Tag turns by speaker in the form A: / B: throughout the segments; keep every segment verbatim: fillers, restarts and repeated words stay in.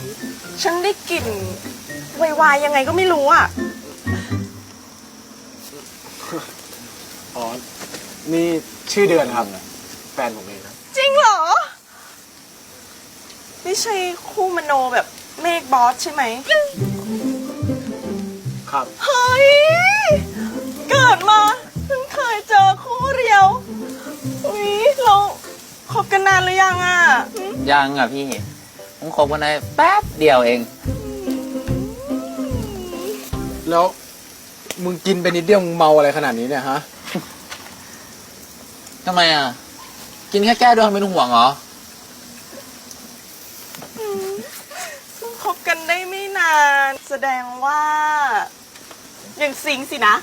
A: ฉันได้กลิ่นวายๆยังไงก็ไม่รู้อ่ะ
B: อ๋อ นี่ชื่อเดือนครับ แฟนผมเองครับ
A: จริงเหรอ ไม่ใช่คู่มโนแบบเมฆบอสใช่ไหม
B: ครับ
A: เฮ้ย เกิดมาเพิ่งเคยเจอคู่เดียวอุ๊ยเราคบกันนานหรือยังอ่ะหึ
C: ยังอ่ะพี่ผมคบกันได้แป๊บเดียวเอง
B: แล้วมึงกินไปนิดเดียวมึงเมาอะไรขนาดนี้เนี่ยฮะ
C: ทำไมอ่ะ กินแค่แก้ด้วยทำไมต้องห่วงเหรอ
A: เพิ่งคบกันได้ไม่นาน แสดงว่า ยังซิงสินะ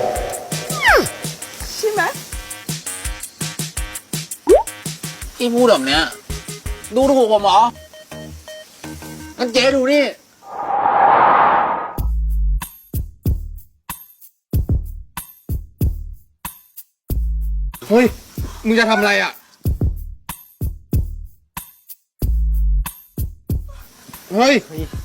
A: ใช่ไหม
C: พี่พูดแบบเนี้ย ดูถูกผมเหรองั้นเจ๊ดูนี่
B: เฮ้ย มึงจะทำอะไรอ่ะ เฮ้ย